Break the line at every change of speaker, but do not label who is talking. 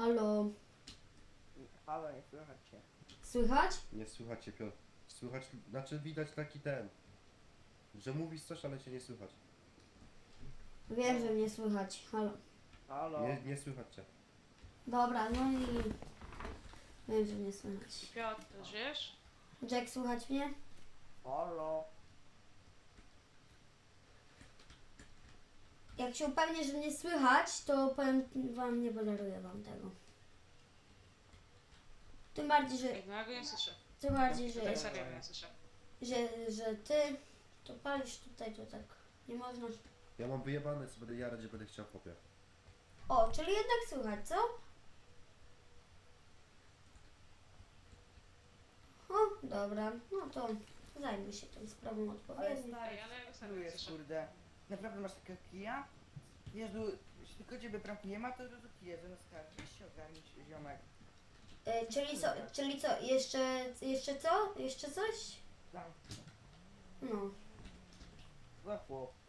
Halo.
Halo, nie słychać cię.
Słychać?
Nie słychać cię, Piotr. Słychać, znaczy widać taki ten, że mówisz coś, ale cię nie słychać.
Wiem, że mnie słychać. Halo.
Halo.
Nie słychać cię.
Dobra, no i... Wiem, że mnie słychać.
Piotr, żyjesz?
Jack, słychać mnie?
Halo.
Jak się upewnię, że mnie słychać, to powiem wam, nie podaruję wam tego. Tym bardziej, że...
Ej, no ja go nie słyszę.
Tym bardziej, że...
Tak serio nie słyszę.
Że ty to palisz tutaj, to tak nie można.
Ja mam wyjebane, co będę jarać, że będę chciał popie.
O, czyli jednak słychać, co? O, dobra, no to zajmę się tą sprawą
Ale
odpowiednio.
stary,
Ej, ale ja go serio nie
czujesz,
słyszę.
kurde. Naprawdę masz takiego kija? Jezu, jeśli tylko ciebie bramki nie ma, to do kija zamiast karty. Weź się ogarnić, ziomek.
Czyli co, jeszcze co? Jeszcze coś?
Tam,
No,
za chłop.